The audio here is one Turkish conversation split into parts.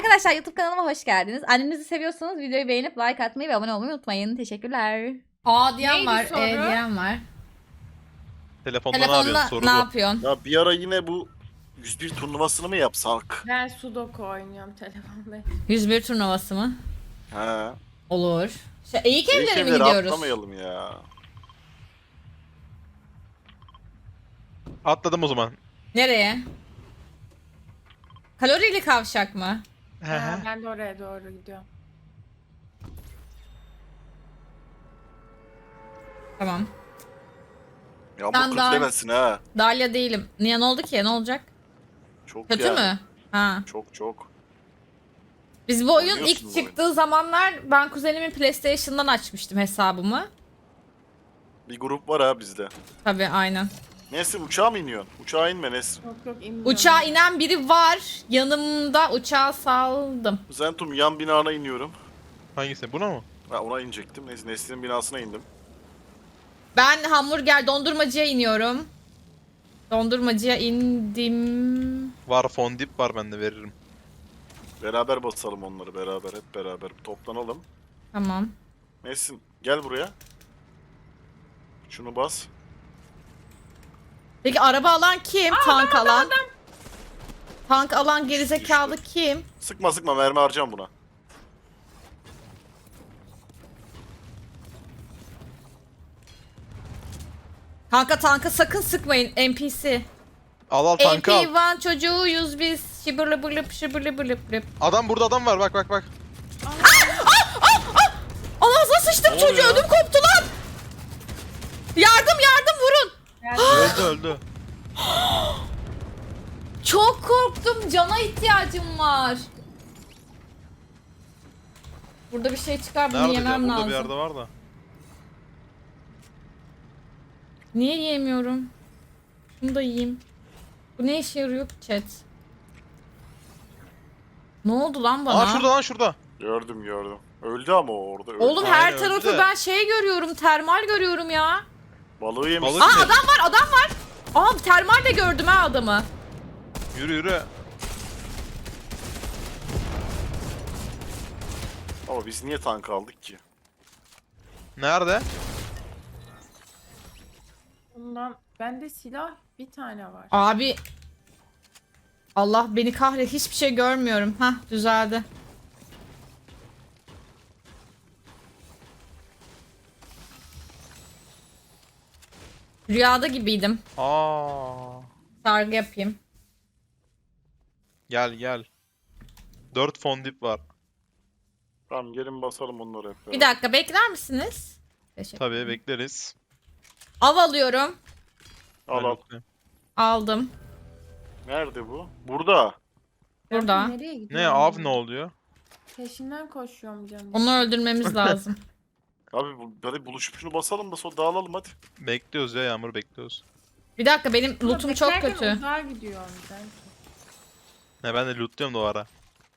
Arkadaşlar YouTube kanalıma hoş geldiniz. Annenizi seviyorsanız videoyu beğenip like atmayı ve abone olmayı unutmayın. Teşekkürler. Aa diyen Neydi var, soru? diyen var. Telefonda ne Telefonla yapıyorsun? Soru ne bu. yapıyorsun? Ya bir ara yine bu 101 turnuvasını mı yapsak? Ben Sudoku oynuyorum telefonda. 101 turnuvası mı? He. Olur. Eğik evlere mi Evlere gidiyoruz? atlamayalım ya. Atladım o zaman. Nereye? Kalorili kavşak mı? Ha, ben de oraya doğru gidiyorum. Tamam. Ya Sen bu daha- demesin ha. Dalya değilim. Niye, ne oldu ki? Ne olacak? Çok Kötü yani. mü? Ha. Çok. Biz bu oyun Oynuyorsun ilk bu çıktığı zamanlar ben kuzenimin PlayStation'dan açmıştım hesabımı. Bir grup var ha bizde. Tabii aynen. Nesrin uçağa mı iniyorsun? Uçağa inme Nesrin. Yok inmiyorum. Uçağa inen biri var. Yanımda uçağa saldım. Zentum yan binana iniyorum. Hangisi? Buna mı? Ha ona inecektim. Neyse Nesrin'in binasına indim. Ben hamburger dondurmacıya iniyorum. Dondurmacıya indim. Var, fondip var, ben de veririm. Beraber basalım onları beraber hep beraber. Toplanalım. Tamam. Nesrin gel buraya. Şunu bas. Peki araba alan kim? Tank alan. Tank alan gerizekalı kim? Sıkma mermi harcam buna. Tanka sakın sıkmayın NPC. Al tankı al. MP1 çocuğuyuz biz. Şıbırlı bırlıp şıbırlı bırlıp bırlıp. Adam burada, adam var, bak. Anasına sıçtım Ne çocuğu, oluyor? ödüm koptu lan. Yardım vurun. Öldü. Çok korktum, cana ihtiyacım var. Burada bir şey çıkar, bunu Nerede ya? yemem Burada lazım. bir yerde var da. Niye yiyemiyorum? Şunu da yiyeyim. Bu ne işe yarıyor ki chat? Ne oldu lan bana? Aa şurada. Gördüm. Öldü ama o orada. Öldü. Oğlum Aynen, her öldü tarafı de. ben şey görüyorum, termal görüyorum ya. Balığı yemiş. Balık- Aa adam var. Aa termal de gördüm ha adamı. Yürü. Ama biz niye tank aldık ki? Nerede? Bundan bende silah bir tane var. Abi. Allah beni kahret, hiçbir şey görmüyorum. Hah, düzeldi. Rüyada gibiydim. Aa. Sargı yapayım. Gel. 4 fondip var. Tamam gelin basalım onları hep beraber. Bir dakika bekler misiniz? Teşekkür. Tabii bekleriz. Av alıyorum. Al. Aldım. Nerede bu? Burada. Burada. Nereye Ne gidiyorum? av ne oluyor? Peşinden koşuyorum canım. Onu öldürmemiz lazım. Abi hadi buluşup şunu basalım da sonra dağılalım hadi. Bekliyoruz ya, Yağmur, bekliyoruz. Bir dakika, benim Ama lootum çok beklerken kötü. Uzağa gidiyorum sanki. Ne, ben de lootluyorum da o ara.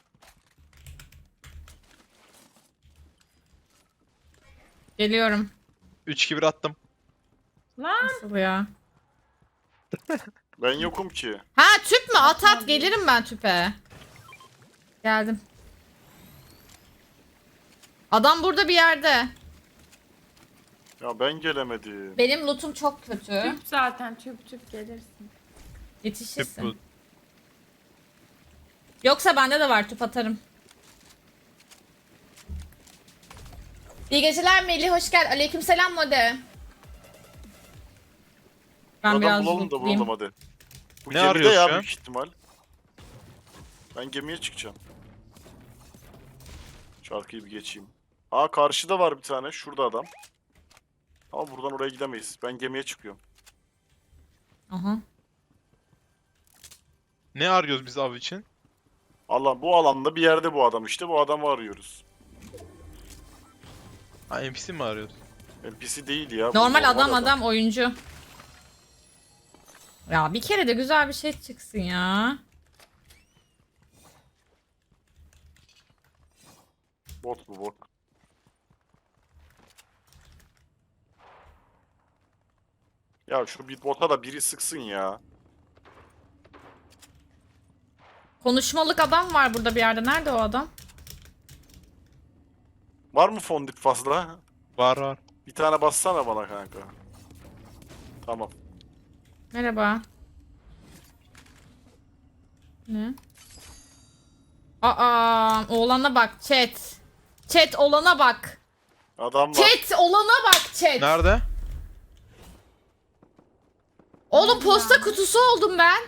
Geliyorum. 3-2-1 attım. Lan Nasıl ya? Ben yokum ki. Ha tüp mü? At gelirim ben tüpe. Geldim. Adam burada bir yerde. Ya ben gelemedim. Benim lootum çok kötü. tüp zaten tüp gelirsin. Tüp Yetişirsin. bu. Yoksa bende de var, tüp atarım. İyi geceler Melih, hoş geldin. Aleykümselam Mode. Ben Adam biraz bulalım da lootlayayım. bulalım hadi. Bu Ne gemide arıyoruz ya şu an? büyük ihtimal. Ben gemiye çıkacağım. Şarkıyı bir geçeyim. Aa karşıda var bir tane. Şurada adam. Ama buradan oraya gidemeyiz. Ben gemiye çıkıyorum. Aha. Ne arıyoruz biz av için? Allah bu alanda bir yerde bu adam işte. Bu adamı arıyoruz. Ha, NPC mi arıyoruz? NPC değil ya. bu Normal adam oyuncu. Ya bir kere de güzel bir şey çıksın ya. Bot bu bot. Ya şu bir bota da biri sıksın ya. Konuşmalık adam var burada bir yerde. Nerede o adam? Var mı fondip fazla? Var var. Bir tane bassana bana kanka. Tamam. Merhaba. Ne? Aa, oğlana bak chat. Chat olana bak. Adam var. Chat olana bak chat. Nerede? Oğlum posta kutusu oldum ben.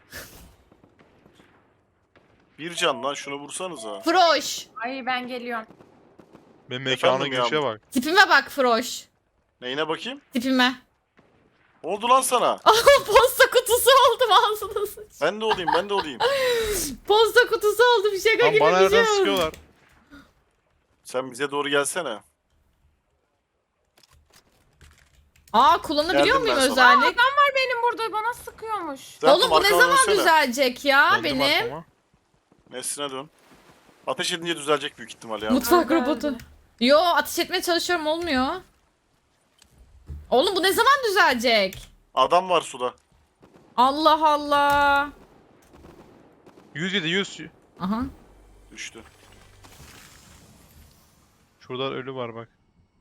Bir can lan, şunu vursanıza. Froş. Ay ben geliyorum. Benim mekana Efendim girişe ya? bak. Tipime bak Froş. Neyine bakayım? Tipime. Ne oldu lan sana? Posta kutusu oldum ağzına sıç. Ben de olayım, ben de olayım. Posta kutusu oldum şaka Lan gibi bana bir şey nereden oldu. sıkıyorlar? Sen bize doğru gelsene. Aa kullanabiliyor Geldim muyum ben sana. özellik? Adam var benim burada bana sıkıyormuş. Zaten Oğlum bu ne arkana zaman dönsene. düzelecek ya Döndüm benim? arkama. Nesline dön. Ateş edince düzelecek büyük ihtimal ya. Mutfak Öldü, robotu. öldü. Yo ateş etmeye çalışıyorum olmuyor. Oğlum bu ne zaman düzelecek? Adam var suda. Allah Allah. 107 100. Aha. Düştü. Şurada ölü var bak.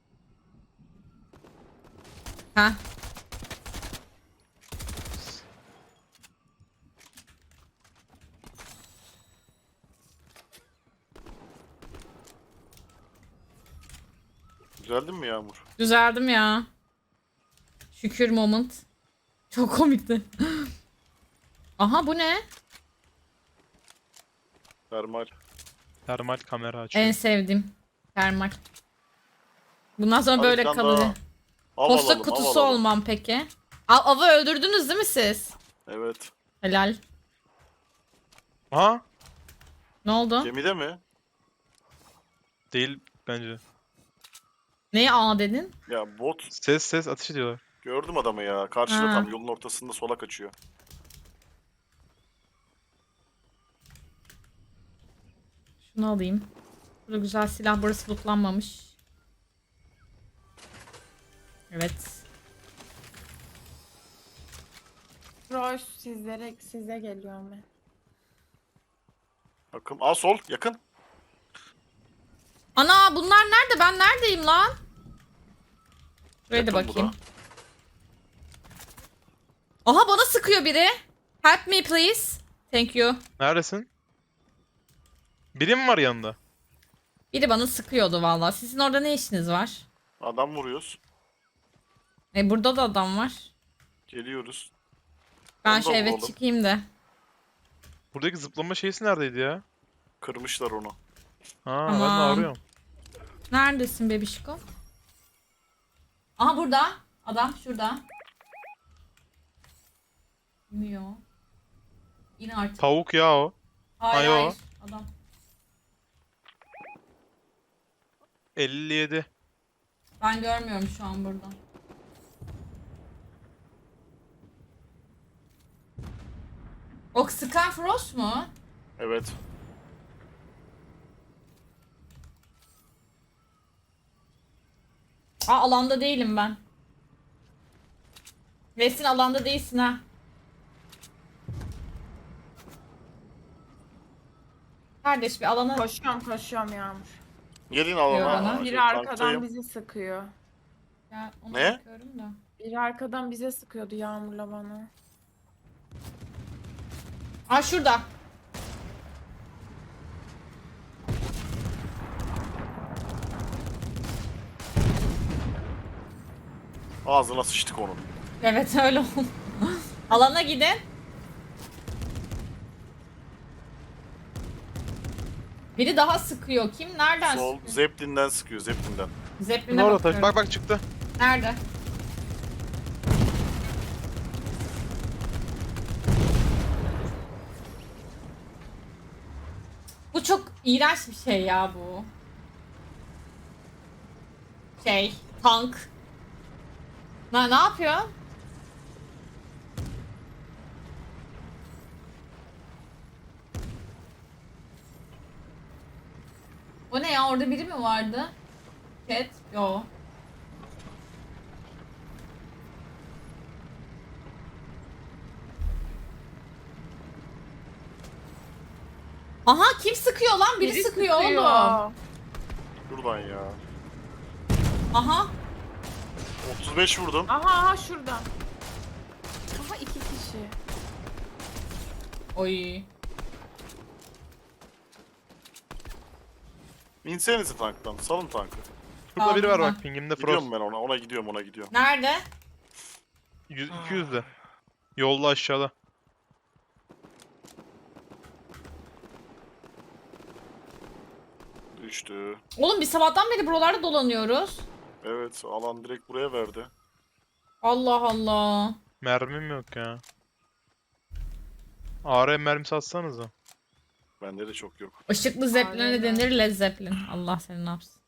Ha. Düzeldin mi Yağmur? Düzeldim ya. Şükür moment. Çok komikti. Aha bu ne? Termal. Termal kamera açıyor. En sevdiğim. Termal. Bundan sonra Hadi böyle bir tane kalır. daha. Av Posta alalım, av kutusu alalım. olmam peki. Avı öldürdünüz değil mi siz? Evet. Helal. Ha? Ne oldu? Gemide mi? Değil bence. Neye A dedin? Ya bot. Ses ateş ediyorlar. Gördüm adamı ya. Karşıda Ha. tam yolun ortasında sola kaçıyor. Şunu alayım. Burada güzel silah, burası lootlanmamış. Evet. Roş size geliyorum ben. Bakın. Aa sol yakın. Ana bunlar nerede? Ben neredeyim lan? Şuraya da Yakın bu bakayım. da. Aha bana sıkıyor biri. Help me please. Thank you. Neredesin? Biri mi var yanında? Biri bana sıkıyordu vallahi. Sizin orada ne işiniz var? Adam vuruyoruz. Burada da adam var. Geliyoruz. Ben Onu şu da eve vuralım. çıkayım da. Buradaki zıplama şeysi neredeydi ya? Kırmışlar onu. Ha ben de Tamam. arıyorum. Neredesin bebişko? Aha burada. Adam şurada. İniyor. İn artık. Tavuk ya o. Hayır Ayo. hayır. Adam. 57. Ben görmüyorum şu an burada. O sıkan Frost mu? Evet. Aa alanda değilim ben. Resin alanda değilsin ha. Kardeş bir alana... Koşuyorum Yağmur. Gelin alana. Diyor bana. Şey, Biri arkadan tanktayım. bizi sıkıyor. Ya, ona Ne? bakıyorum da. Biri arkadan bize sıkıyordu Yağmur'la bana. Aa şurada. Ağzına sıçtık onun. Evet öyle oldu. Alana gidin. Biri daha sıkıyor. Kim? Nereden Sol sıkıyor? Zeppelin'den sıkıyor, Zeppelin'den. Zeppelin'e Orada bakıyorum. taş. Bak çıktı. Nerede? Bu çok iğrenç bir şey ya bu. Tank. Ne yapıyor? O ne ya? Orada biri mi vardı? Cat? Yo. Aha kim sıkıyor lan? Biri sıkıyor oğlum. Şuradan ya. Aha. 35 vurdum. Aha şuradan. Aha 2 kişi. Oy. İnsenize tanktan. Salın tankı. Şurada biri var Aldım bak pingimde Frost. Gidiyorum ben ona. Ona gidiyorum, ona gidiyorum. Nerede? 200'de. Yolda aşağıda. Düştü. Oğlum biz sabahtan beri buralarda dolanıyoruz. Evet, alan direkt buraya verdi. Allah Allah. Mermim yok ya. AR mermisi atsanıza. Bende de çok yok. Işıklı zepline Aynen. denir Led Zeppelin. Allah seni ne yapsın.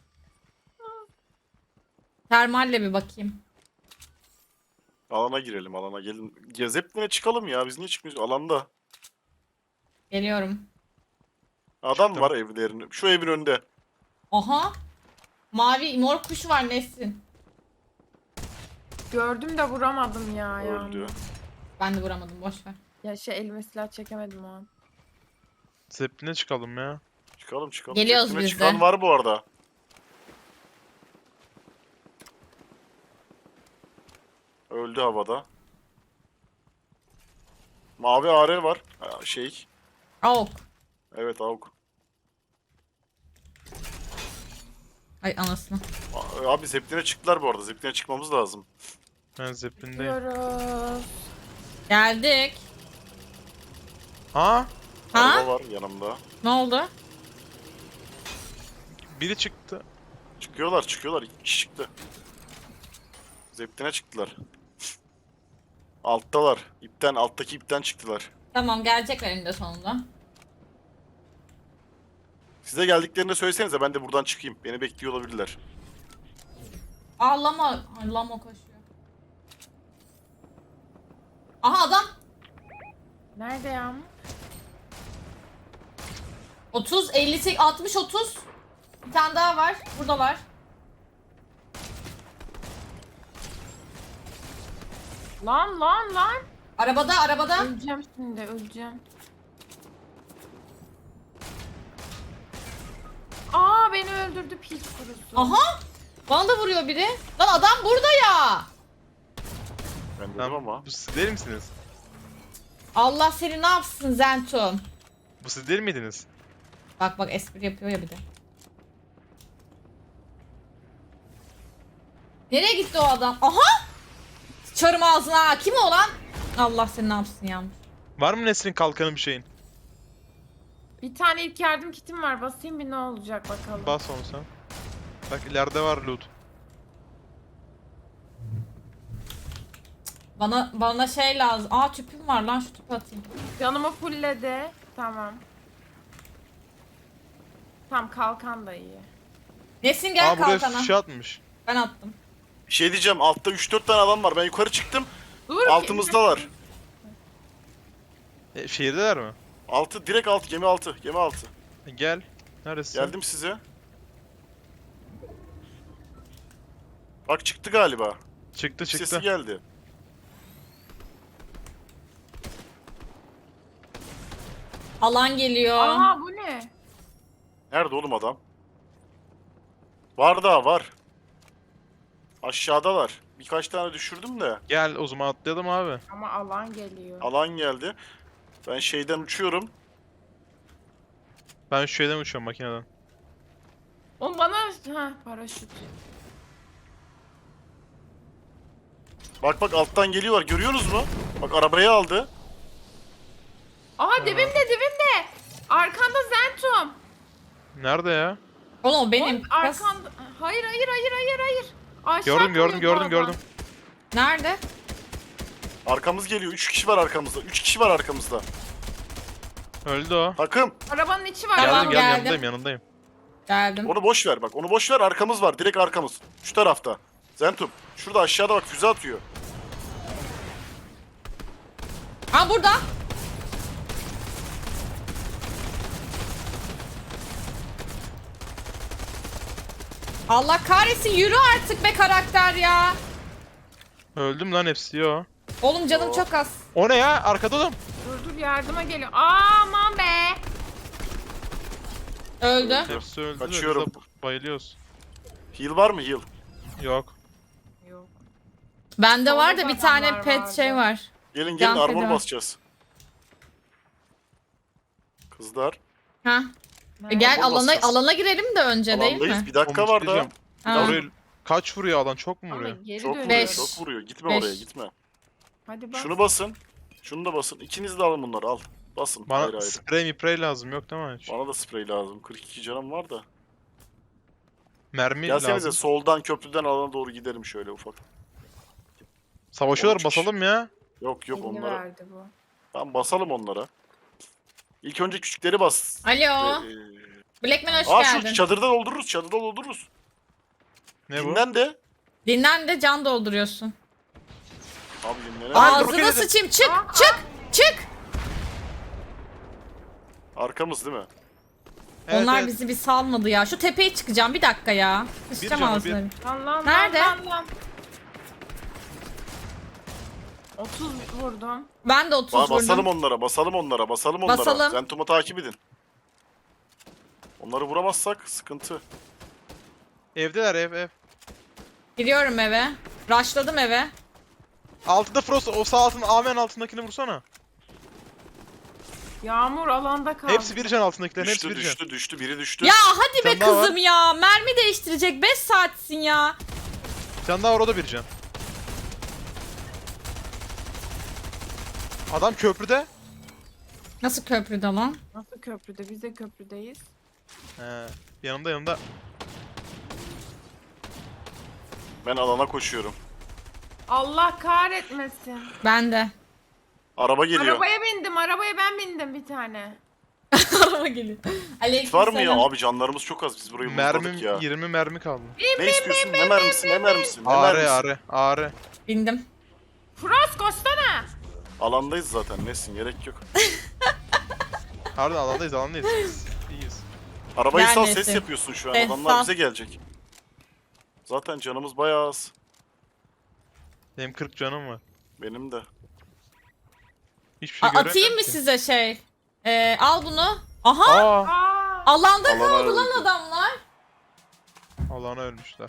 Termalle bir bakayım. Alana girelim, alana gelin. Gezepline çıkalım ya. Biz niye çıkmıyoruz? Alanda. Geliyorum. Adam Çıktım. var evlerin. Şu evin önünde. Aha. Mavi mor kuş var Nesin. Gördüm de vuramadım ya. Öldü. Ben de vuramadım boş ver. Ya elime silah çekemedim o an. Zeppelin'e çıkalım ya. Çıkalım çıkalım. Geliyoruz Zeppeline biz de. çıkan var bu arada. Öldü havada. Mavi AR var. Ha, şey. Avuk. Evet AUK. Ay anasını. Abi Zeppelin'e çıktılar bu arada. Zeppelin'e çıkmamız lazım. Ben Zeppelin'deyim. Gidiyoruz. Geldik. Ha? Ha? Araba var yanımda. Ne oldu? Biri çıktı. Çıkıyorlar çıkıyorlar. 2 kişi çıktı. Zeppelin'e çıktılar. Alttalar. İpten, alttaki ipten çıktılar. Tamam gelecekler eninde sonunda. Size geldiklerini de söylesenize, ben de buradan çıkayım. Beni bekliyor olabilirler. Aa lama. Ay, lama koşuyor. Aha adam. Nerede ya? 30, 58, 60, 30. Bir tane daha var. Buradalar. Lan. Arabada. Öleceğim şimdi, öleceğim. Aa beni öldürdü piç kurusu. Aha. Bana da vuruyor biri. Lan adam burada ya. Ben dedim Lan, ama. bu siz değil misiniz? Allah seni ne yapsın Zentum. Bu siz değil miydiniz? Bak espri yapıyor ya bir de. Nereye gitti o adam? Aha! Sıçarım ağzına. Kim o lan? Allah seni ne yapsın Yağmur. Var mı Nesrin kalkanı bir şeyin? Bir tane ilk yardım kitim var. Basayım bir ne olacak bakalım. Bas onu sen. Bak ileride var loot. Bana şey lazım. Aa tüpüm var lan şu tüpü atayım. Canımı fullledi. Tamam. Tam kalkan da iyi. Nesin gel Aa buraya kalkana. fişe atmış. Ben attım. Bir şey diyeceğim, altta 3-4 tane adam var. Ben yukarı çıktım. Dur. Altımızdalar. Şehirdeler mi? Altı, direkt altı, gemi altı. Gemi altı. Gel. Neredesin? Geldim size. Bak çıktı galiba. Çıktı Sesi çıktı. geldi. Alan geliyor. Aa bu ne? Nerede oğlum adam? Var daha var. Aşağıdalar. Birkaç tane düşürdüm de. Gel o zaman atlayalım abi. Ama alan geliyor. Alan geldi. Ben şeyden uçuyorum. Ben şu şeyden uçuyorum makineden. O bana paraşüt. Bak alttan geliyorlar. Görüyorsunuz mu? Bak arabayı aldı. Aha dibimde. Arkanda Zentum. Nerede ya? Oğlum o benim. Oğlum, arkanda. Hayır. Aşağı Gördüm kalıyor bu adam. gördüm. Nerede? Arkamız geliyor. 3 kişi var arkamızda. 3 kişi var arkamızda. Öldü o. Takım. Arabanın içi var. Tamam, Geldim geldim. yanındayım. Geldim. Onu boş ver bak. Onu boş ver. Arkamız var. Direkt arkamız. Şu tarafta. Zentum. Şurada aşağıda bak, füze atıyor. Aa burada. Allah kahretsin yürü artık be karakter ya. Öldüm lan hepsi yo. Oğlum canım çok az. O ne ya? Arkada oğlum. Dur yardıma geliyor. Aman be. Öldü. Hepsi öldü de biz Kaçıyorum. de bayılıyoruz. Heal var mı heal? Yok. Yok. Bende Solda var da da bir tane adamlar pet vardı. şey var. Gelin Can armor feda. basacağız. Kızlar. Ha. Nerede? Gel Bomba basacağız. alana girelim de önce değil Alandayız. mi? Bir dakika Oğlum, var bir daha. şey diyeceğim. Ha. Oraya kaç vuruyor alan? Çok mu Ama vuruyor? geri Çok vuruyor, dönüyor. Beş. çok vuruyor. Gitme Beş. oraya, gitme. Hadi bak. Şunu basın. Şunu da basın. İkiniz de alın bunları, al. Basın. Bana ayrı ayrı. sprey miprey lazım yok değil mi hiç? Bana da sprey lazım. 42 canım var da. Mermi Gelsenize lazım. soldan köprüden alana doğru gidelim şöyle ufak. Savaşıyorlar 13 kişi. basalım ya. Yok yok Elini onlara. verdi bu. Tamam basalım onlara. İlk önce küçükleri bas. Alo. Ee, Blackman hoş Aa şu geldin. çadırda doldururuz, çadırda doldururuz. Ne bu? Dinlen de. Dinlen de can dolduruyorsun. Abi dinlenelim. Aa, Ağzına roket sıçayım. Çık Aa, çık çık. Arkamız değil mi? Evet, Onlar evet. bizi bir salmadı ya. Şu tepeye çıkacağım bir dakika ya. Bir Sıçacağım canı, ağzına. Lan lan Nerede? lan lan. 30 vurdum. Ben de 30 Basalım vurdum. onlara, basalım onlara, basalım onlara. Basalım. Zentum'u takip edin. Onları vuramazsak sıkıntı. Evdeler ev. Giriyorum eve. Rushladım eve. Altında Frost o sağ altın Amen altındakini vursana. Yağmur alanda kaldı. Hepsi bir can altındakilerin hepsi Düştü, bir can. düştü, düştü, biri düştü. Ya hadi be Sen daha var. kızım ya. Mermi değiştirecek 5 saatsin ya. Can daha var o da bir can. Adam köprüde. Nasıl köprüde lan? Nasıl köprüde? Biz de köprüdeyiz. He. Yanımda. Ben alana koşuyorum. Allah kahretmesin. Ben de. Araba geliyor. Arabaya bindim. Arabaya ben bindim bir tane. Araba geliyor. Kit var mı ya? Aleykümselam. Abi canlarımız çok az. Biz burayı Mermim vurmadık ya. 20 mermi kaldı. Ne istiyorsun? Ne mermisi? Ne mermisi? Ne Ağrı mermisi? ağrı. Bindim. Frost koşsana. Alandayız zaten. Nesin? Gerek yok. Harbiden alandayız. Biz İyiyiz. Arabayı sal, Neredesin? ses yapıyorsun şu an. Ses Adamlar sal. bize gelecek. Zaten canımız bayağı az. Benim 40 canım var. Benim de. Hiçbir şey Atayım göremiyorum mı ki. size şey? Al bunu. Aha. Aa! Aa. Alanda Alana kaldı lan öldü. adamlar. Alana ölmüşler.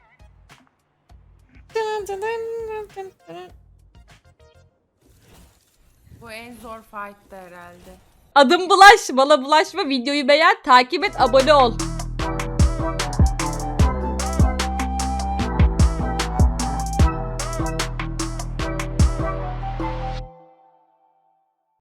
Bu en zor fight'tı herhalde. Adım Bulaş. Bana bulaşma. Videoyu beğen. Takip et. Abone ol.